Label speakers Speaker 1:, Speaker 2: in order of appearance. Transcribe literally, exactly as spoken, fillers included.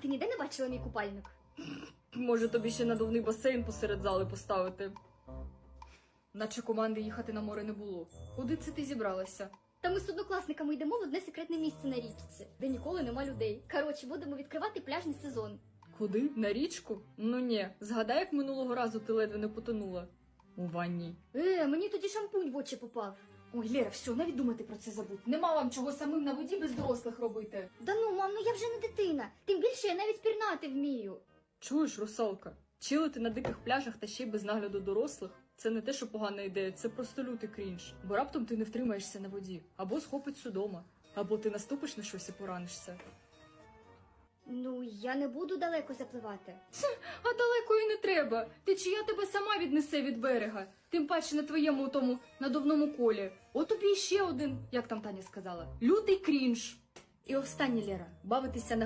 Speaker 1: ти ніде не бачила мій купальник?
Speaker 2: Може, тобі ще надувний басейн посеред зали поставити? Наче команди їхати на море не було. Куди це ти зібралася?
Speaker 1: Та ми з однокласниками йдемо в одне секретне місце на річці, де ніколи нема людей. Коротше, будемо відкривати пляжний сезон.
Speaker 2: Куди? На річку? Ну ні, згадай, як минулого разу ти ледве не потонула. У ванні.
Speaker 1: Е, мені тоді шампунь в очі попав.
Speaker 2: Ой, Лера, все, навіть думати про це забудь. Нема вам чого самим на воді без дорослих робити.
Speaker 1: Да ну, мам, ну я вже не дитина. Тим більше я навіть пірнати вмію.
Speaker 2: Чуєш, русалка? Чилити на диких пляжах та ще й без нагляду дорослих – це не те, що погана ідея, це просто лютий крінж. Бо раптом ти не втримаєшся на воді, або схопить судома, або ти наступиш на щось і поранишся.
Speaker 1: Ну, я не буду далеко запливати.
Speaker 2: А далеко і не треба. Течія тебе сама віднесе від берега. Тим паче на твоєму тому надувному колі. От тобі ще один, як там Таня сказала, лютий крінж. І останнє, Лера, бавитися на